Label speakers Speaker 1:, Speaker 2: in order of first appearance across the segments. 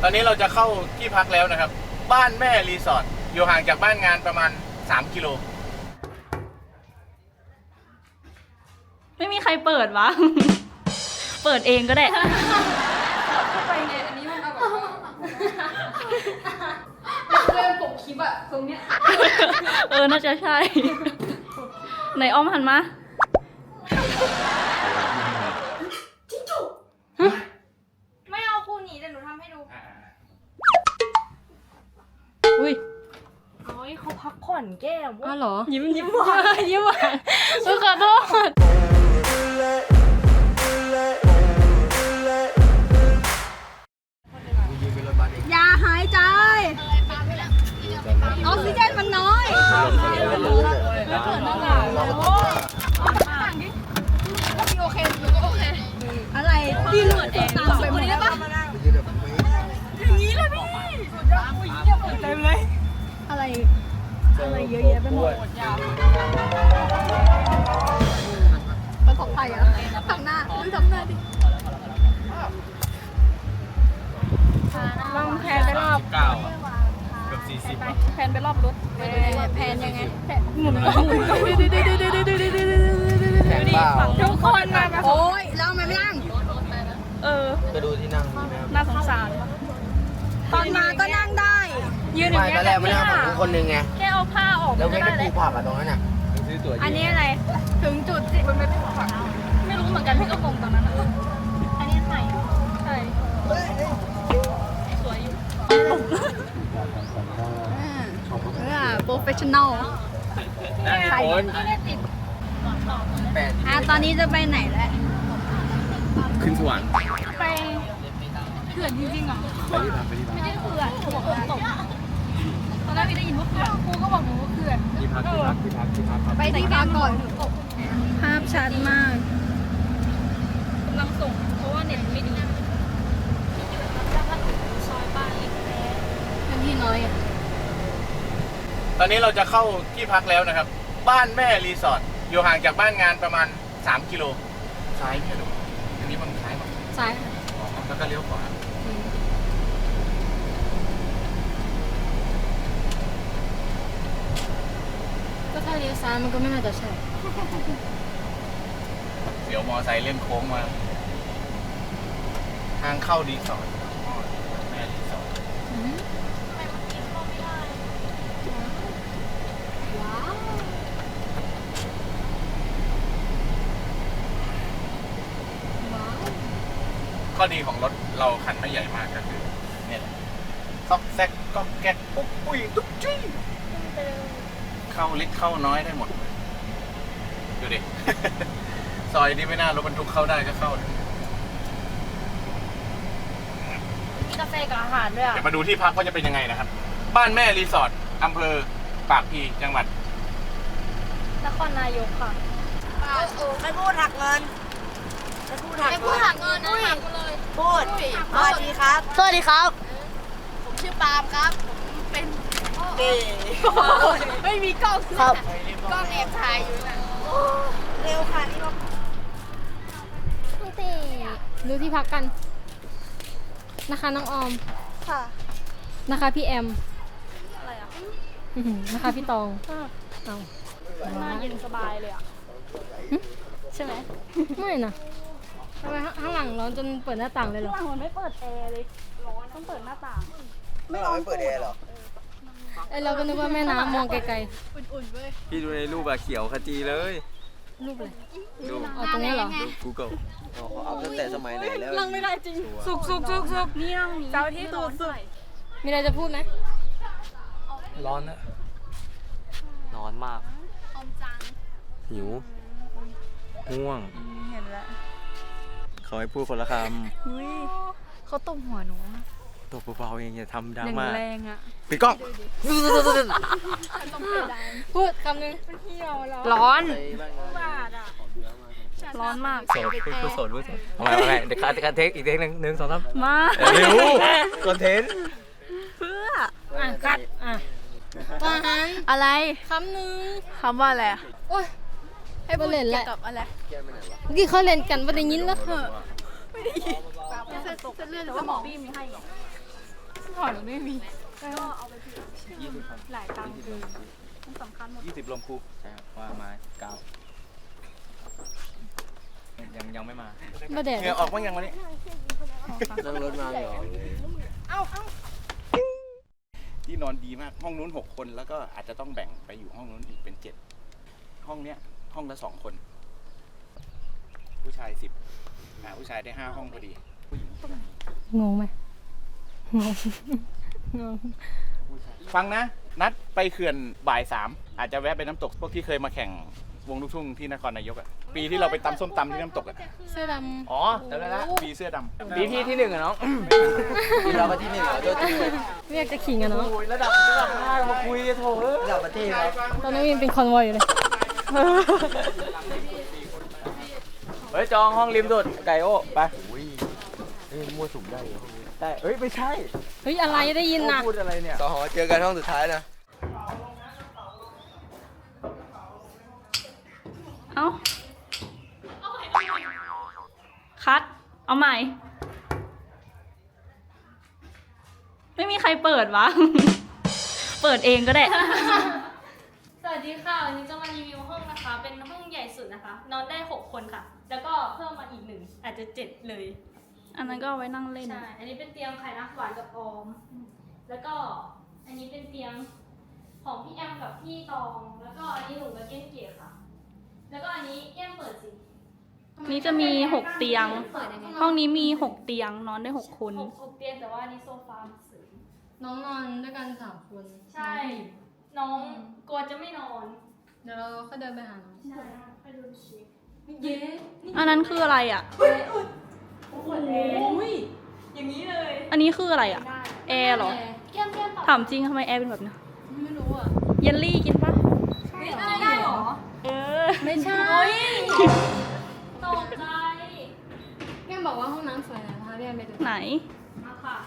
Speaker 1: อนนี้เราจะเข้าที่พักแล้วนะครับบ้านแม่รีสอร์ทอยู่ห่างจากบ้านงานประมาณ3 กิโล
Speaker 2: ไม่มีใครเปิดวะ เปิดเองก็ได้
Speaker 3: เข้าไปไงอันนี้มันเอาแบบเริ่มปกคลิปอะตรงเนี้ย
Speaker 2: น่าจะใช่ ไหนอ้อมหันมา
Speaker 3: จิ้งจุกไม่เอาครูหนีแต่หนูทำให้ดู
Speaker 2: อุ้ย
Speaker 3: โอ้ยเขาพักผ่อนแก้ม
Speaker 2: อ้าวเหรอยิ้มหวานยิ้มหวานขอโทษ
Speaker 3: อย่าหายใจออกซิเจนมันน้อยไม่เปิดหน้าต่างพี่โอเคหนูก็โอเคอะไรพี่เปิดเองตามไปหมดได้ปะอย่างนี้เลยพี่สุดยอดอุ้ยเยี่ยมเต็มเลยอะไรเยอะแยะไปหมดประสบภัยอะทำหน้าดูทำหน้าดิลองแพนไปรอบ
Speaker 1: 9เกือบ40
Speaker 3: แพนไปรอบรถแพนยังไงหมุนทุกคนมาโอ้ยเราไม่นั่ง
Speaker 1: ไปดูที่นั่ง
Speaker 2: น่าสงสาร
Speaker 3: ตอนมาก็นั่งได้
Speaker 2: ยืนอย่างเงี้ย
Speaker 4: ตอนแรกไม่นั่งของคนนึงไง
Speaker 2: แค่เอาผ้าออก
Speaker 4: แล้ว
Speaker 2: ก็
Speaker 4: แค่
Speaker 2: ได้เลย
Speaker 4: ปูผักอะตรงนั้นอะ
Speaker 1: ซื้อตั๋ว
Speaker 3: อันนี้อะไรถึงจุดสิมันไม่เป็นผัก
Speaker 2: ไม่รู้เหมือนกันพี่ก็งงตอนนั้น
Speaker 3: อันนี้ไข่
Speaker 2: ใช่สวยอยู่
Speaker 3: โปรเฟชชั่นอล
Speaker 1: ใครคน
Speaker 3: ตอนนี้จะไปไหนแล้ว
Speaker 1: ขึ้นสวรรค์
Speaker 3: ไปเขื่อนจริงๆเหรอ
Speaker 1: ไปที่พัก
Speaker 3: ไม่ได้เขื่อนเขาบอกว่าตกตอนแรกพี่ได้ยินว่าเขื่อนครูก็บอกหนูว่าเขื่อน
Speaker 1: ที่พัก
Speaker 3: ไปที่พักก่อนภาพชัดมาก
Speaker 2: กำลังส่งเพราะว่าเน็ตไม่ดีซอยบ้านเล็ก
Speaker 3: เป็นที่น้อย
Speaker 1: ตอนนี้เราจะเข้าที่พักแล้วนะครับบ้านแม่รีสอร์ทอยู่ห่างจากบ้านงานประมาณ3 กิโลซ้ายไม่รู้อันนี้มันซ้ายมั้ง
Speaker 3: ซ้าย
Speaker 1: แล้วก็เลี้ยวขวา
Speaker 3: ก็ถ้าเลี้ยวซ้ายมันก็ไม่น่าจะใช่
Speaker 1: เดี๋ยวมอไซค์เล่นโค้งมาทางเข้ารีสอร์ทแม่รีสอร์ทข้อดีของรถเราคันไม่ใหญ่มากก็คือเนี่ยซอกแซกก็แก๊กปุ๊บปุ้ยตุ๊กจี้เข้าเล็กเข้าน้อยได้หมดดูดิ ซอยนี้ไม่น่ารถบรรทุกเข้าได้ก็เข้า
Speaker 3: มีกาแฟกับอาหารด้วย
Speaker 1: เดี๋ยวมาดูที่พักว่าจะเป็นยังไงนะครับบ้านแม่รีสอร์ทอำเภอปากพลีจังหวัด
Speaker 3: นครนายกค่ะ
Speaker 4: ไม่พูดหักเงินไม่พูดหัก
Speaker 3: เงินนะหักเลย
Speaker 4: พูดสวัสดีครับ
Speaker 3: สวัสดีครับผมชื่อปาล์มครับผมเป็น
Speaker 4: เก๋
Speaker 3: ไม่มีกล้อง
Speaker 4: ครับ
Speaker 3: กล้องแอบถ่ายอยู่นะ
Speaker 4: เร็วค่ะนี่
Speaker 3: พี่ตีดูที่พักกันนะคะน้องออม
Speaker 4: ค่ะ
Speaker 3: นะคะพี่แอม
Speaker 2: อะไรอ่ะ
Speaker 3: นะคะพี่ตอง
Speaker 2: เอาหน้าเย็นสบายเลยอ่ะใช่ไหม
Speaker 3: ไม่นะทำไมข้างหลังร้อนจนเปิดหน้าต่างเลยเหรอ
Speaker 2: ข้างหลังมันไม่เปิดแอร์เลยร้อนต้องเปิดหน้าต่าง
Speaker 4: ไม่เปิดแอร์หรอ
Speaker 3: เราก็นึกว่าแม่น้ำมองไกล
Speaker 2: ๆอุ่นๆเว้ย
Speaker 1: พี่ดูในรูปอะเขียวขจีเลย
Speaker 3: รูปอะไร
Speaker 1: รูป
Speaker 3: ตรงนี้เหรอ
Speaker 1: Google
Speaker 4: เขาอัพตั้งแต่สมัยไหนแล้ว
Speaker 2: ลังไม่ได้จริงสุกเนี่ยเจ้าที่สุด
Speaker 3: มีอะไรจะพูดไหม
Speaker 1: ร้อนนะร้อนมากหิวง่วง
Speaker 2: เห็นแล้ว
Speaker 1: เขาให้พูดคนละค
Speaker 2: ำเขาตบหัวหนู
Speaker 1: ตบเบาๆเองอย่าทำดราม่า
Speaker 2: แรงอ่ะ
Speaker 1: ปิดกล้อง
Speaker 3: พูดคำนึง
Speaker 2: ร้อนร้อนมาก
Speaker 1: โสดพูดโสดพูดทำไมเดี๋ยวการเทคอีกเทคนึง2 3
Speaker 2: มา
Speaker 1: เร็วคอนเทนต์
Speaker 2: เพื่อ
Speaker 3: คัด
Speaker 2: อะไร
Speaker 3: คำนึง
Speaker 2: คำว่าอะไร
Speaker 3: โอ้ยให้พูดเกี่ยวกับอะไรเมื่อกี้เขาเล่นกันว่าได้ยินแล้ว
Speaker 2: ไม่ได้ยินเส้นเลือดหรือว่าหมอบี้มีให้หรอก่อนไม่มี
Speaker 3: ก็เอาไปผิด
Speaker 1: 20 ครับ
Speaker 3: หลายตังค์คือ
Speaker 2: มันสำคัญหมด
Speaker 1: 20ลมครู
Speaker 5: ใช่ครับว่ามา9ยังไม่มา
Speaker 3: มาแดด
Speaker 1: เหงื่อออกบ้างยังวันนี้
Speaker 5: นั่งรถมาเหรอ
Speaker 1: ที่นอนดีมาก ห้องนู้น6 คนแล้วก็อาจจะต้องแบ่งไปอยู่ห้องนู้นอีกเป็น7ห้องเนี้ยห้องละ2 คน ผู้ชาย10ผู้ชายได้5 ห้องพอดี ผู้หญิง
Speaker 3: งงไหมงง
Speaker 1: ฟังนะ นัดไปเขื่อนบ่าย 3อาจจะแวะไปน้ำตกพวกที่เคยมาแข่งวงลูกทุ่งที่นครนายกอ่ะปีที่เราไปตำส้มตำที่น้ำตกอ่ะ
Speaker 3: เสื้อด
Speaker 5: อ๋อจำได้ละ
Speaker 1: ปีเสื้อดำ
Speaker 5: ปีที่1อะน้องปีเราก็ที่1อะตัวจริงเลย
Speaker 3: ำไม่อยากจะขิงอะเนาะ
Speaker 5: โอ้ยระดับ5มาคุยโถระดับประเทศครับ
Speaker 3: ตอนนี้ยังเป็นคอนวอยอยู่เลย
Speaker 5: เฮ้ยจองห้องริมสุดไก่โอ้ไปอุ้ยมั่วสุมได้เหรอได้เฮ้ยไม่ใช่
Speaker 3: เฮ้ยอะไรได้ยินน่ะ
Speaker 5: พูดอะไรเนี่ยสหเจอกันห้องสุดท้ายนะ
Speaker 2: เอ้าคัด เอาใหม่ ไม่มีใครเปิดวะ เปิดเองก็ได้ สวัสดีค่ะ วันนี้จะมารีวิวห้องนะคะ เป็นห้องใหญ่สุดนะคะ นอนได้ 6 คนค่ะ แล้วก็เพิ่มมาอีก1อาจจะ7เลย อันนั้นก็เอาไว้นั่งเล่น ใช่ อันนี้เป็นเตียงไข่นักหวานกับออม แล้วก็อันนี้เป็นเตียงของพี่แอมกับพี่ตอง แล้วก็อันนี้หนูกับเก้นเก๋ค่ะ แล้วก็อันนี้แก้มเปิดสิ นี้จะมี6เตียง ห้องนี้มี6เตียงนอนได้6คน6เตียงแต่ว่าอันนี้โซฟาเสริม
Speaker 3: น้องนอนด้วยกัน3 คน
Speaker 2: ใช่ น้องกลัวจะไม่นอน
Speaker 3: เดี๋ยวเราก็เดินไปหาน้อง
Speaker 2: ใช่ไปดูเช็คเย้อันนั้นคืออะไรอ่ะโอ้โหอย่างนี้เลย อันนี้คืออะไรอ่ะ แอร์เหรอ
Speaker 3: แก้ม
Speaker 2: ถามจริงทำไมแอร์เป็นแบบนี้
Speaker 3: ไม่รู้อ่ะ
Speaker 2: เยลลี่กินปะ
Speaker 3: ได้เหรอ
Speaker 2: เออ
Speaker 3: ไม่ใช่
Speaker 2: ตกใจ
Speaker 3: แก้มบอกว่าห้องน้ำสวยนะพาพี่แอมไปดู
Speaker 2: ไหน มาค่ะ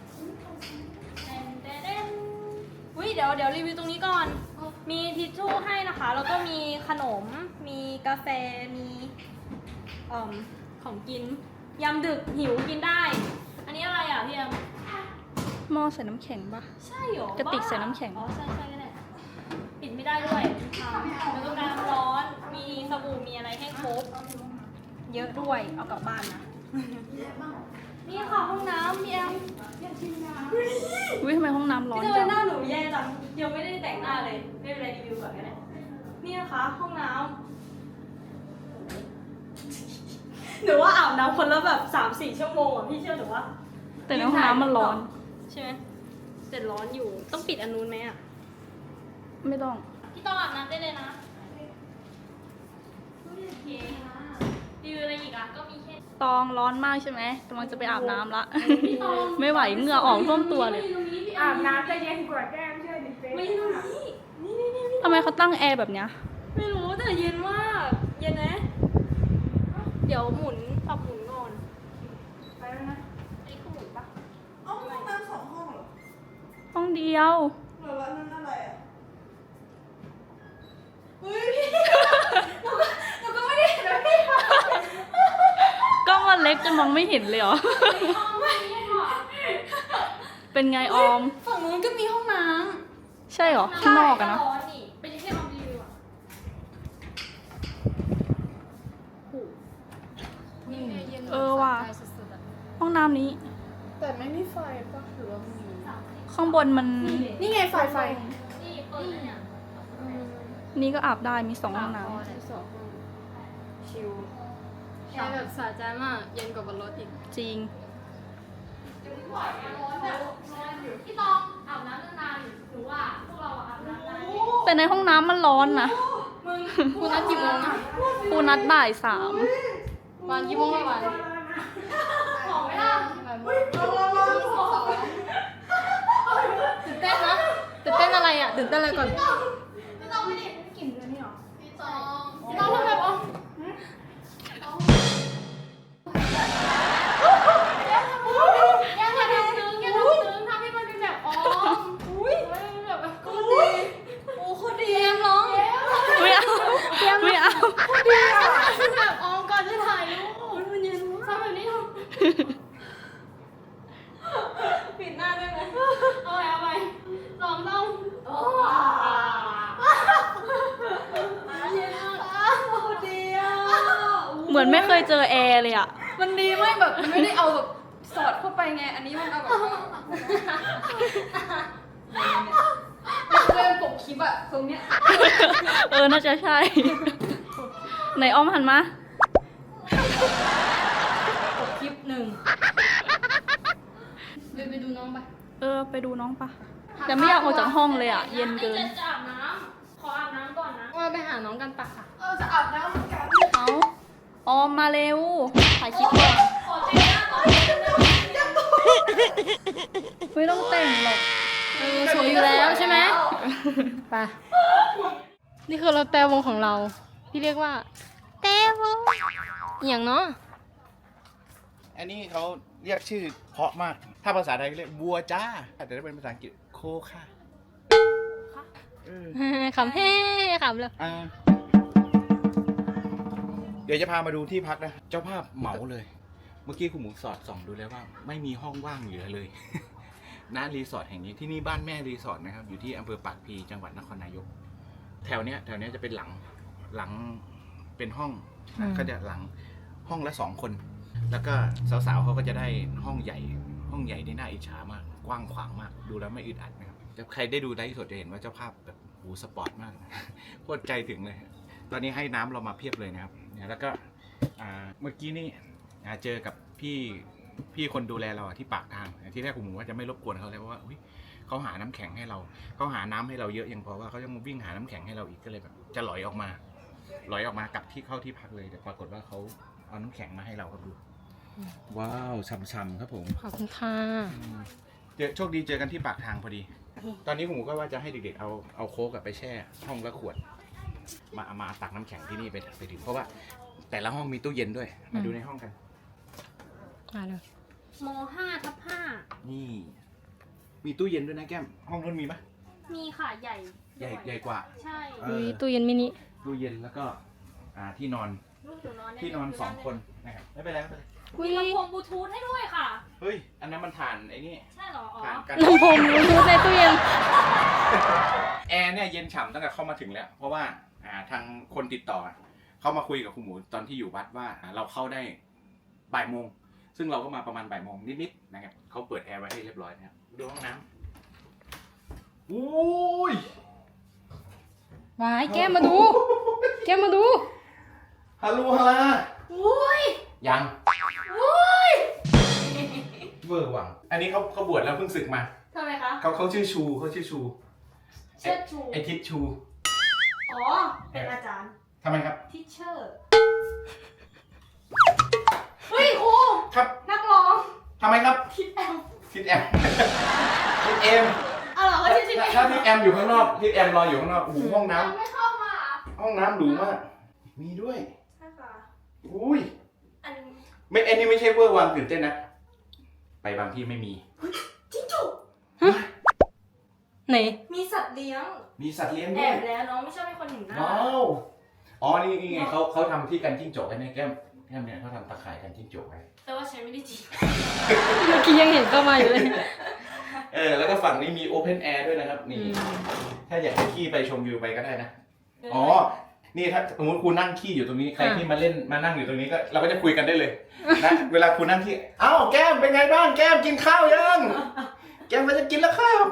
Speaker 2: อุ้ยเดี๋ยวรีวิวตรงนี้ก่อน มีทิชชู่ให้นะคะ แล้วก็มีขนม มีกาแฟ มีของกิน ยามดึกหิวกินได้ อันนี้อะไรอ่ะพี่แอมหม้อใส่น้ำแข็งปะใช่หรอกระติกใส่น้ำแข็ง อ๋อใช่ก็ได้ ปิดไม่ได้ด้วยแล้วก็น้ำร้อน มีสบู่ มีอะไรให้ครบ เยอะด้วย เอากลับบ้านนะ นี่ค่ะห้องน้ำพี่แอมอุ้ยทำไมห้องน้ำร้อนจังหน้าหนูแย่จัง ยังไม่ได้แต่งหน้าเลย ไม่เป็นไรรีวิวก่อนก็ได้นี่นะคะห้องน้ำหนูว่าอาบน้ำคนละแบบ 3-4 ชั่วโมงอ่ะพี่เชื่อหนูว่าแต่ในห้องน้ำมันร้อน ใช่ไหมแต่ร้อนอยู่ ต้องปิดอันนู้นไหมอ่ะ ไม่ต้อง พี่ต้องอาบน้ำได้เลยนะโอเครีวิวอะไรอีกอ่ะ ก็มีแค่ตองร้อนมากใช่ไหมกำลังจะไปอาบน้ำละ ไม่ไหวเหงื่อออกท่วมตัวเลย
Speaker 3: อาบน้ำจะเย็นกว่าแก้มเชื่อดิเฟ
Speaker 2: ไม่รู้นี่ทำไมเขาตั้งแอร์แบบเนี้ย ไม่รู้แต่เย็นมาก เย็นนะ เดี๋ยวหมุนปรับหมุนก่อน ไปแล้วนะไอ้คือหมุนปะ
Speaker 4: เอาห้องน้ำ2 ห้องเหรอ
Speaker 2: ห้องเดียว
Speaker 4: เหรอแล้วนั่นอะไรอ่ะหนูก็ไม่ได้เห็นนะพี่
Speaker 2: ก็มันเล็กจนมองไม่เห็นเลยเหรอ เป็นไงออม
Speaker 3: ฝั่งนู้นก็มีห้องน้
Speaker 2: ใช่เหรอ ข้างนอกอะนะ
Speaker 3: เป็นแค่ออมรีวิวอ่ะนี่เย็น
Speaker 2: เออว่ะ
Speaker 3: สุดๆอ่ะ
Speaker 2: ห้องน้ำนี้
Speaker 4: แต่ไม่มีไฟป่ะหรือว่ามี
Speaker 2: ข้างบนมัน
Speaker 4: นี่ไงไฟ
Speaker 2: นี่เปิดเนี่ยนี่ก็อาบได้มี2ห้องน้
Speaker 3: ชิลแอร์แบบสะใจมากเย็นกว่าบนรถอีก
Speaker 2: ำจริง
Speaker 3: พี่ตองอาบน้ำนานๆหรือว่าพวกเราอาบน้ำนาน
Speaker 2: แต่ในห้องน้ำมันร้อนนะ
Speaker 3: คุณนัดกี่โมงนะ
Speaker 2: ครูนัดบ่าย
Speaker 3: วันกี่โมงวันของไม่ได้ตื่นเต้นนะตื่นเต้นอะไรอ่ะตื่นเต้นอะไรก่อนพี่ตองไม่ได้กลิ่นเลยนี่หรอพี่ตองทำแบบอ๋ออย่าทำซึ้งทำให้มันเป็นแบบอ๋ออุ้ยแบบโคตรดีโอ้โคตรดีแอมร้อง
Speaker 2: 3ไม่เอาไม่เอา
Speaker 3: ดีอ่ะแบบอ๋อก่อนจะถ่ายรูปมันเย็นมากทำแบบนี้ทำปิดหน้าได้ไหม
Speaker 2: อนไม่เคยเจอแอร์เลยอ่ะ
Speaker 3: มันดีไม่แบบมันไม่ได้เอาแบบสอดเข้าไปไง อันนี้มันเอาแบบเริ่มปกคลิปอะตรงเนี้ย
Speaker 2: น่าจะใช่ ไหนอ้อมหันมา
Speaker 3: ปกคลิป1ไปดูน้องไป
Speaker 2: ไปดูน้องปะแต่ไม่อยากออกจากห้องเลยอ่ะ เย็นเกินจะอาบน้ำขออาบน้ำก่อนนะ
Speaker 3: ว่าไปหาน้องกันปะค่ะ
Speaker 4: จะอาบน้ำเหมือนกัน
Speaker 2: เอาออมมาเร็ว ถ่ายคลิปก่อน
Speaker 3: ขอแต่งหน้าก่อน
Speaker 2: ไม่ต้องแต่งหรอก
Speaker 3: สวยอยู่แล้วใช่ไหมไปนี่คือเราแต่วงของเรา ที่เรียกว่าแต่วงอย่างเนาะ
Speaker 1: อันนี้เขาเรียกชื่อเพราะมาก ถ้าภาษาไทยเรียกบัวจ้า แต่ถ้าเป็นภาษาอังกฤษโคค่ะ
Speaker 3: ขำแฮ่ขำเลย
Speaker 1: เดี๋ยวจะพามาดูที่พักนะ เจ้าภาพเหมาเลย เมื่อกี้คุณหมูสอดส่องดูแล้วว่า ไม่มีห้องว่างเหลือเลย ณรีสอร์ทแห่งนี้ที่นี่บ้านแม่รีสอร์ทนะครับ อยู่ที่อำเภอปากพลีจังหวัดนครนายก แถวเนี้ยจะเป็นหลังเป็นห้องก็จะหลังห้องละ2 คน แล้วก็สาวๆเขาก็จะได้ห้องใหญ่ที่น่าอิจฉามาก กว้างขวางมาก ดูแล้วไม่อึดอัดนะครับใครได้ดูไลฟ์สดจะเห็นว่าเจ้าภาพแบบสปอร์ตมาก โคตรใจถึงเลย ตอนนี้ให้น้ำเรามาเพียบเลยนะครับเนี่ยแล้วก็เมื่อกี้นี่เจอกับพี่คนดูแลเราที่ปากทางที่แรกผมว่าจะไม่รบกวนเขาเลยเพราะว่าเขาหาน้ำแข็งให้เราเขาหาน้ำให้เราเยอะยังพอว่าเขาจะมาวิ่งหาน้ำแข็งให้เราอีกก็เลยแบบจะหลอยออกมากลับที่เข้าที่พักเลยแต่ปรากฏว่าเขาเอาน้ำแข็งมาให้เราครับดูว้าวช่ำๆครับผม
Speaker 3: ขอบคุณค่ะ
Speaker 1: โชคดีเจอกันที่ปากทางพอดี ตอนนี้ผมก็ว่าจะให้เด็กๆเอาโค้กไปแช่ห้องละขวดมาตักน้ำแข็งที่นี่ไปดื่มเพราะว่าแต่ละห้องมีตู้เย็นด้วยมาดูในห้องกัน
Speaker 3: มาเลย
Speaker 2: ม5/5
Speaker 1: นี่มีตู้เย็นด้วยนะแก้มห้องนู้นมีปะ
Speaker 2: มีค่ะใหญ่
Speaker 1: ใหญ่กว่า
Speaker 2: ใช่
Speaker 3: มีตู้เย็นมินิ
Speaker 1: ตู้เย็นแล้วก็ที่นอน
Speaker 2: ลูกหนูนอนได้
Speaker 1: ที่นอน2 คนนะครับไม่เป็นไร
Speaker 2: มีลำโพงบลูทูธให้ด้วยค่ะ
Speaker 1: เฮ้ยอันนั้นมันถ่านไอ้นี่
Speaker 2: ใช่เหรอ อ๋อ
Speaker 1: ถ่านกัน
Speaker 3: ลำโพงบลูทูธในตู้เย็น
Speaker 1: แอร์เนี่ยเย็นฉ่ำตั้งแต่เข้ามาถึงแล้ว เพราะว่าทางคนติดต่อเขามาคุยกับคุณหมูตอนที่อยู่วัดว่าเราเข้าได้บ่ายโมงซึ่งเราก็มาประมาณบ่ายโมงนิดๆนะครับเขาเปิดแอร์ไว้ให้เรียบร้อยนะครับดูห้องน้ำอุ้ย
Speaker 3: วายแก้มมาดู แก้มมาดู
Speaker 1: ฮัลโหลฮาลา
Speaker 2: อุ้ย
Speaker 1: ยัง
Speaker 2: อุ้ย
Speaker 1: เวอร์หวังอันนี้เขาบวชแล้วเพิ่งศึกมา
Speaker 2: ทำไมคะ
Speaker 1: เขาชื่อชู
Speaker 2: เชิดชู
Speaker 1: ไอทิศชู
Speaker 2: อ๋อ เป็นอาจารย์
Speaker 1: ทำไมครับ
Speaker 2: ทิเชอร์ เฮ้ยครู
Speaker 1: ครับ
Speaker 2: นักร้อง
Speaker 1: ทำไมครับ
Speaker 2: ทิดแอม
Speaker 1: ทิศแอมทิศเอ็ม
Speaker 2: อ๋อเหรอว่าทิดแอม
Speaker 1: ถ้าทิศแอมอยู่ข้างนอกทิศแอมรออยู่ข้างนอกโอ้โหห้องน้
Speaker 2: ไม่เข้ามา
Speaker 1: ำห้องน้ำหรูมาก มีด้วย
Speaker 2: ใช่ค่ะ
Speaker 1: อุ้ย
Speaker 2: อัน
Speaker 1: ไม่อันนี้ไม่ใช่เวอร์วังตื่นเต้นนะ ไปบางที่ไม่มี
Speaker 2: จิ้งจุก
Speaker 3: ไหน
Speaker 2: มีสัตว์เลี้ยง
Speaker 1: มีสัตว์เลี้ยง
Speaker 2: แอ
Speaker 1: ด้วย
Speaker 2: บแล้วน้องไม่ชอบให้คนเห็นหน้า
Speaker 1: ว้าวอ๋อนี่ไงเขาทำที่กันจิ้งจกไอ้นี่แก้มเนี่ยเขาทำตะข่ายกันจิ้งจกไว้
Speaker 2: แต่ว่าใช้ไม่ได้จริง
Speaker 3: เมื่อกี้ยังเห็นเข้ามาอยู่เลย
Speaker 1: แล้วก็ฝั่งนี้มีโอเพนแอร์ด้วยนะครับนี่ถ้าอยากจะขี้ไปชมวิวไปก็ได้นะอ๋อนี่ถ้าสมมติครูนั่งขี้อยู่ตรงนี้ใครที่มานั่งอยู่ตรงนี้ก็เราก็จะคุยกันได้เลยนะเวลาครูนั่งขี้อ้าวแก้มเป็นไงบ้างแก้มกินข้าวยังแก้มมันจะกินแล้วข้าว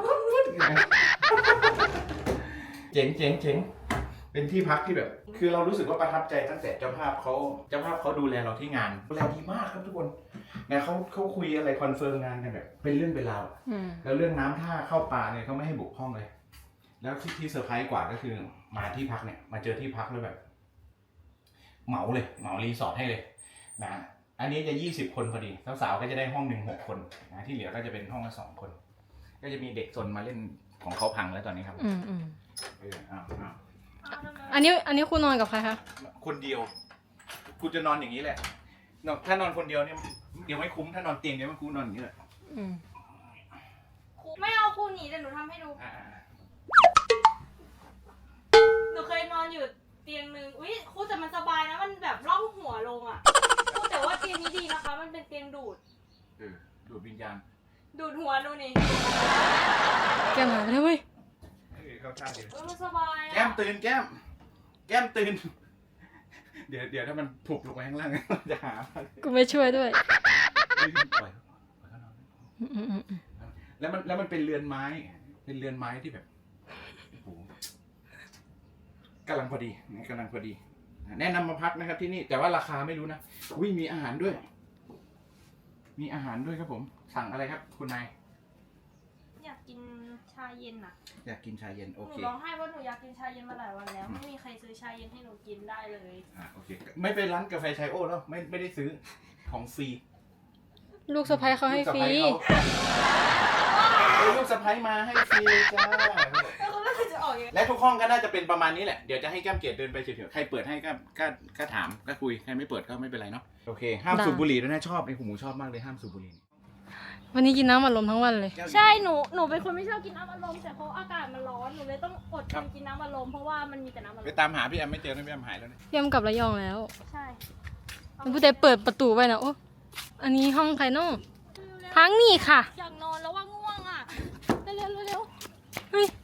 Speaker 1: เจ๋งเป็นที่พักที่แบบ คือเรารู้สึกว่าประทับใจตั้งแต่เจ้าภาพเขาดูแลเราที่งานดูแลดีมากครับทุกคนนะเขาคุยอะไรคอนเฟิร์มงานกันแบบเป็นเรื่องเป็นราวแล้วเรื่องน้ำท่าเข้าป่าเนี่ยเขาไม่ให้บุกห้องเลย แล้วที่เซอร์ไพรส์กว่าก็คือมาที่พักเนี่ยมาเจอที่พักแล้วแบบเหมารีสอร์ทให้เลยนะอันนี้จะ20 คนพอดีสาวๆก็จะได้ห้อง1 6 คนนะที่เหลือก็จะเป็นห้องละ2 คน ก็จะมีเด็กซนมาเล่นของเขาพังแล้วตอนนี้ครับอ้าว
Speaker 3: อันนี้คุณนอนกับใครคะ
Speaker 1: คนเดียวคุณจะนอนอย่างนี้แหละถ้านอนคนเดียวเนี่ยเดี๋ยวไม่คุ้มถ้านอนเตียงเดี๋ยวไม่คุ้มนอนอย่างนี้แหละ
Speaker 2: ไม่เอาครูหนีแต่หนูทำให้ดู หนูเคยนอนอยู่เตียงนึงอุ้ยครูแต่มันสบายนะมันแบบล่องหัวลงอ่ะครูแต่ว่าเตียงนี้ดีนะคะ มันเป็นเตียงดูด
Speaker 1: ดูดวิญญาณ
Speaker 2: ดูดหัวดูนี่
Speaker 3: แก้มหายไปแล้วเว้ย
Speaker 1: เข้าท่าดี
Speaker 2: มันสบาย
Speaker 1: แก้
Speaker 2: อ่ะ
Speaker 1: มตื่นแก้มตื่นเดี๋ยวถ้ามันถูกลงไปข้างล่าง จะหา
Speaker 2: กูไม่ช่วยด้วย
Speaker 1: ปล่อยเขานอนแล้วมันเป็นเรือนไม้ เป็นเรือนไม้ที่แบบโอ้โหกำลังพอดีแนะนำมาพักนะครับที่นี่แต่ว่าราคาไม่รู้นะอุ้ยมีอาหารด้วย มีอาหารด้วยครับผม สั่งอะไรครับคุณนาย
Speaker 2: อยากกินชาเย็นอ่ะ
Speaker 1: อยากกินชาเย็นโอ
Speaker 2: หนู
Speaker 1: เค
Speaker 2: ร้องไห้ว่าหนูอยากกินชาเย็นมาหลายวันแล้ว ไม่มีใครซื้อชาเย็นให้หนูกินได้เลย
Speaker 1: โอเคไม่ไปร้านกาแฟชายโอ้แล้วไม่ได้ซื้อของฟรี
Speaker 2: ลูกสะใภ้เขาให้ฟรี
Speaker 1: ลูกสะใภ้มาให้ฟรีเลยจ้า
Speaker 2: แล้วก็ไม่เคยจะออกยังไง
Speaker 1: และทุกห้องก็น่าจะเป็นประมาณนี้แหละ เดี๋ยวจะให้แก้มเกดเดินไปเฉยๆ ใครเปิดให้ก็ถามก็คุย ใครไม่เปิดก็ไม่เป็นไรเนาะ โอเค ห้ามสูบบุหรี่ด้วยนะชอบไอ้หูหมูชอบมากเลยห้ามสูบบุหรี่
Speaker 2: วันนี้กินน้ำอัดลมทั้งวันเลย ใช่หนูเป็นคนไม่ชอบกินน้ำอัดลมแต่เพราะอากาศมันร้อนหนูเลยต้องอดทนกินน้ำอัดลมเพราะว่ามันมีแต่น้ำอัดล
Speaker 1: ไป
Speaker 2: ม
Speaker 1: ตามหาพี่แอมไม่เจอนะพี่แอมหายแล้วนะ
Speaker 2: เตรียมกลับระยองแล้วใช่ผู้ใดเปิดประตูไว้นะโอ้อันนี้ห้องใครเนาะทั้งนี่ค่ะอยากนอนแล้วว่าง่วงอ่ะเร็วเฮ้ย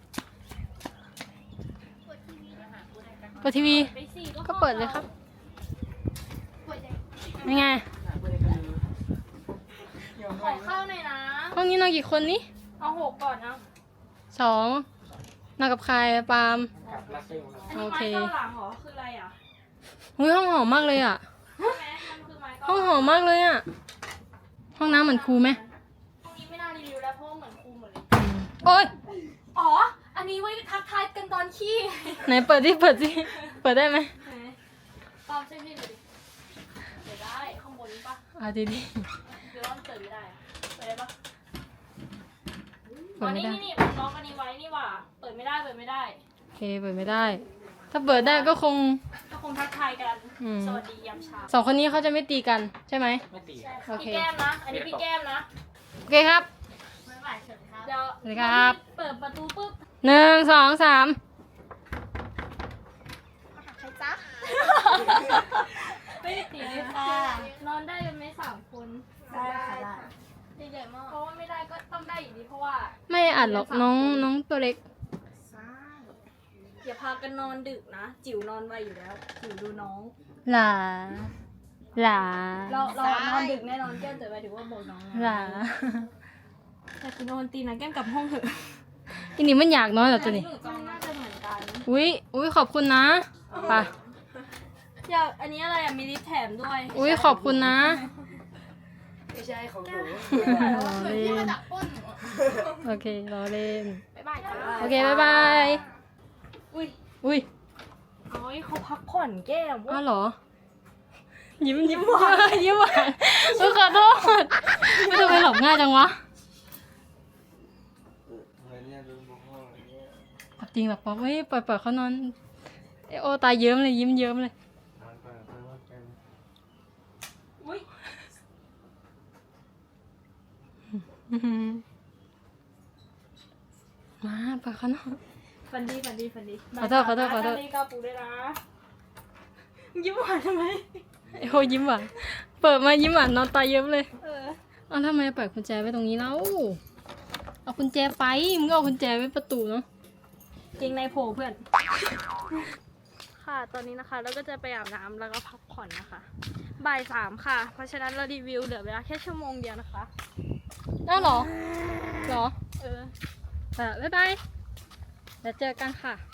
Speaker 2: เปิดทีวีก็เปิดเลยครับยังไงขอข้าวหน่อยนะห้องนี้นอนกี่คนนี่เอา6ก่อนนะ2นอนกับใครปาล์มโอเคไม้เก้าหลังเหรอคืออะไรอ่ะอุ้ยห้องหอมมากเลยอ่ะห้องหอมมากเลยอ่ะห้องน้ำเหมือนครูไหมห้องนี้ไม่น่ารีวิวแล้วเพราะเหมือนครูหมดเลยโอ๊ยอ๋ออันนี้ไว้ทักทายกันตอนขี้ไหนเปิดดิเปิดได้ไหมปาล์มช่วยพี่หน่อยดิเปิดได้ข้างบนนี้ปะดีหรือว่ามันเปิดไม่ได้เปิดได้ปะอ๋อนี่ผมล็อกอันนี้ไว้นี่หว่าเปิดไม่ได้โอเคเปิดไม่ได้ ถ้าเปิดได้ก็คงทักทายกันสวัสดียามเช้า2คนนี้เขาจะไม่ตีกันใช่ไหมไม่ตีโอเคพี่แก้มนะอันนี้พี่แก้มนะโอเคครับบ๊ายบายเชิญครับเดี๋ยวสวัสดีครับเปิดประตูปุ๊บ1 2 3
Speaker 3: ใครจ๊ะ
Speaker 2: ไม่ได้ตีเลยค่ะนอนได้กันไหม3 คน
Speaker 3: ได้ค่ะได้
Speaker 2: ใหญ่ๆมากเพราะว่าไม่ได้ก็ต้องได้อยู่ดีเพราะว่า
Speaker 6: ไม่อัดหรอกน้องตัวเล็ก
Speaker 2: อย่าพากันนอนดึกนะจิ๋วนอนไวอยู่แล้วจิ๋วดูน้อง
Speaker 6: หลา
Speaker 2: เรานอนดึกแน่นอนแก้มแต่หมายถึงว่าบอกน้อง
Speaker 6: หลา
Speaker 2: แต่คุณนอนตีนะแก้มกลับห้องเถอะ
Speaker 6: อันนี้มันอยากนอนเหรอตัวนี้
Speaker 2: หนูจองน่าจะเหมือนกัน
Speaker 6: อุ้ยขอบคุณนะไป
Speaker 2: อยากอันนี้อะไรอ่ะมีลิปแถมด้วย
Speaker 6: อุ้ยขอบคุณนะ
Speaker 4: ไม่ใช่ของหนู
Speaker 6: รอเล่นโอเครอเล่น
Speaker 2: บ๊ายบายจ้า
Speaker 6: โอเคบ๊ายบาย
Speaker 2: อุ้ย
Speaker 6: อุ้ย
Speaker 2: โอ้ยเขาพักผ่อนแก้ม
Speaker 6: อ้าวเหรอ ยิ้มหวานยิ้มหวานขอโทษไม่ทำไมหลบง่ายจังวะจริงหรอป๊อกเฮ้ยปล่อยเขานอนโอตาเยิ้มเลยยิ้มเยิ้มเลย
Speaker 2: อุ้ย
Speaker 6: มาปล่อยเขานอน
Speaker 2: ฟันดี
Speaker 6: ขอโทษ
Speaker 2: นาฬิกาปูด้วยนะยิ้มหวานทำไม
Speaker 6: โอ้ยิ้มหวานเปิดมายิ้มหวานนอนตาเยิ้มเลยเอาทำไมปล่อยกุญแจไว้ตรงนี้แล้วเอากุญแจไปมึงก็เอากุญแจไว้ประตูเนาะ
Speaker 2: เกงในโผล่เพื่อนค่ะตอนนี้นะคะเราก็จะไปอาบน้ำแล้วก็พักผ่อนนะคะบ่าย 3ค่ะเพราะฉะนั้นเรารีวิวเหลือเวลาแค่ชั่วโมงเดียวนะคะ
Speaker 6: อ้าวเหรอบ๊ายบายเดี๋ยวเจอกันค่ะ